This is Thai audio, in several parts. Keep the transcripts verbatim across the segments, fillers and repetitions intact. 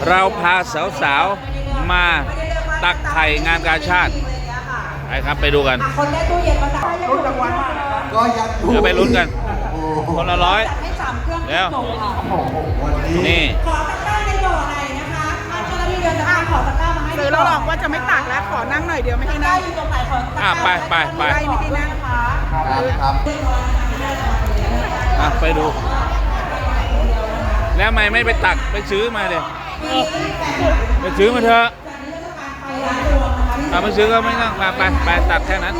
เราพาสาวๆมาตักไข่งานกาชาติไปครับไปดูกันคนได้ตู้เย็นมาตักรุ่นรางวัลก็ยังเดี๋ยวไปลุ้นกันคนละร้อยให้สามเครื่องแล้วนี่ขอตะกร้าในบ่อไหนนะคะถ้าเจ้าหน้าที่เดินจะขอตะกร้ามาให้ซื้อแล้วหรอกว่าจะไม่ตักแล้วขอนั่งหน่อยเดียวไม่ให้นั่งอยู่ตรงไหนขอตะกร้าไปไปไปไม่ให้นั่งนะคะครับอ่ะไปดูแล้วทำไมไม่ไปตักไปซื้อมาเดี๋ยไปซื้อมาเถอะถ้าไม่ซื้อก็ไม่ต้องไปไปไปตักแค่นั้น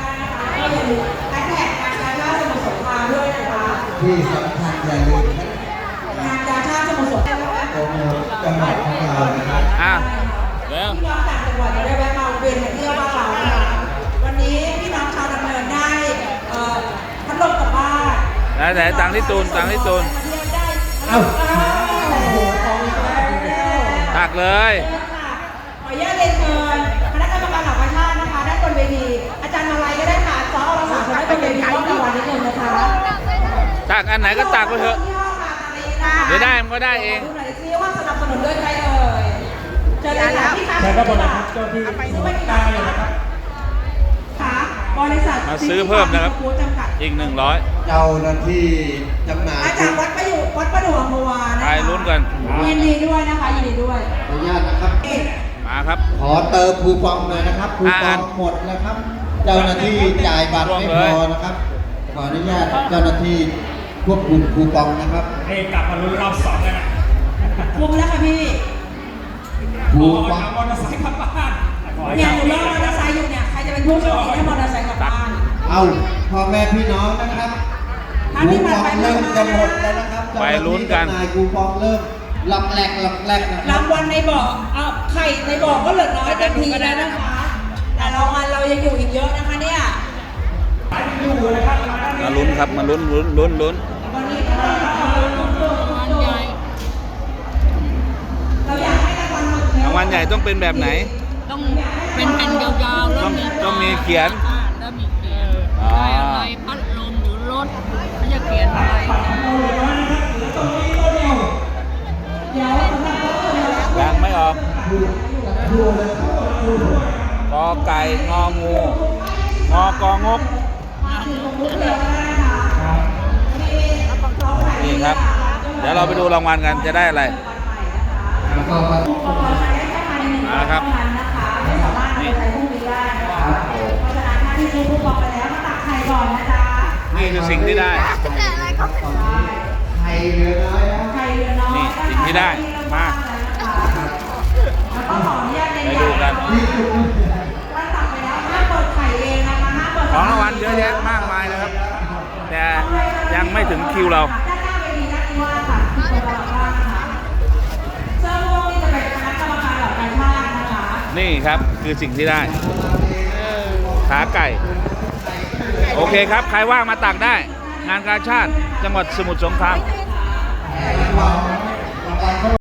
ที่สำคัญอย่าลืมงานกาชาติสมุทรสงครามโปรโมทจังหวัดของเรานะครับอ่ะแล้วพี่น้องต่างจังหวัดจะได้แวะมาเวียนมาเที่ยวบ้านเรานะคะวันนี้พี่น้องชาวดำเนินได้พัดลมกลับบ้านแล้วแต่ตังที่ตูนตังที่ตูนเอ้าตักเลยขออนุญาตเรียนเชิญคณะกรรมการหลักประชาตินะคะด้านบนเวทีอาจารย์มาลัยก็ได้ค่ะซอเราสามคนได้บนเวทีมอบรางวัลนิดนึงนะคะตักอันไหนก็ตักไปเถอะเดี๋ยวได้มันก็ได้เองดูหน่อยซิว่าสนับสนุนด้วยใครเอ่ยเชิญเลยค่ะพี่คะใช่ครับบริษัทเจ้าที่ตาอยู่นะครับค่ะบริษัทมาซื้อเพิ่มนะครับอีกหนึ่งร้อยเจ้าหน้าที่จำหน่ายอาจารย์วัดประยุวัดประดู่อัมพวานะไปลุ้นกันยินดีด้วยนะคะยินดีด้วยขออนุญาตนะครับมาครับขอเติมคูปองหน่อยนะครับคูปองหมดแล้วครับเจ้าหน้าที่จ่ายบัตรไม่พอนะครับขออนุญาตเจ้าหน้าที่ควบคุมคูปองนะครับเอกลับมาลุ้นรอบสองแล้วนะคุมแล้วค่ะพี่คูปองมอเตอร์ไซค์กลับบ้านเนี่ยหนูรอมอเตอร์ไซค์อยู่เนี่ยใครจะเป็นผู้โชคดีถ้ามอเตอร์ไซค์กลับบ้านเอาพ่อแม่พี่น้องนะครับคูปองเริ่มจะหมดแล้วนะครับไปลุ้นกันคูปองเริ่มหลักแหลกหลักแหลกรางวัลในบ่อเอาไข่ในบ่อก็เหลือน้อยเต็มทีแล้วนะคะแต่รางวัลเรายังอยู่อีกเยอะนะคะเนี่ยมาลุ้นครับมาลุ้นลุ้นลุ้นลุ้นวันนี้รางวัลใหญ่เราอยากให้รางวัลรางวัลใหญ่ต้องเป็นแบบไหนต้องเป็นแผ่นยาวๆแล้วต้องต้องมีเขียนแล้วมีเขียนได้อะไรพัดลมหรือรถเขาจะเขียนอะไรยังไม่ออกกอไก่งองูงอกองกนี่ครับเดี๋ยวเราไปดูรางวัลกันจะได้อะไรมาครับนี่นี่คือสิ่งที่ได้นี่สิ่งที่ได้มาไปดูกันของรางวัลเยอะแยะมากมายนะครับแต่ยังไม่ถึงคิวเรานี่ครับคือสิ่งที่ได้ขาไก่โอเคครับใครว่างมาตักได้งานกาชาติจังหวัดสมุทรสงคราม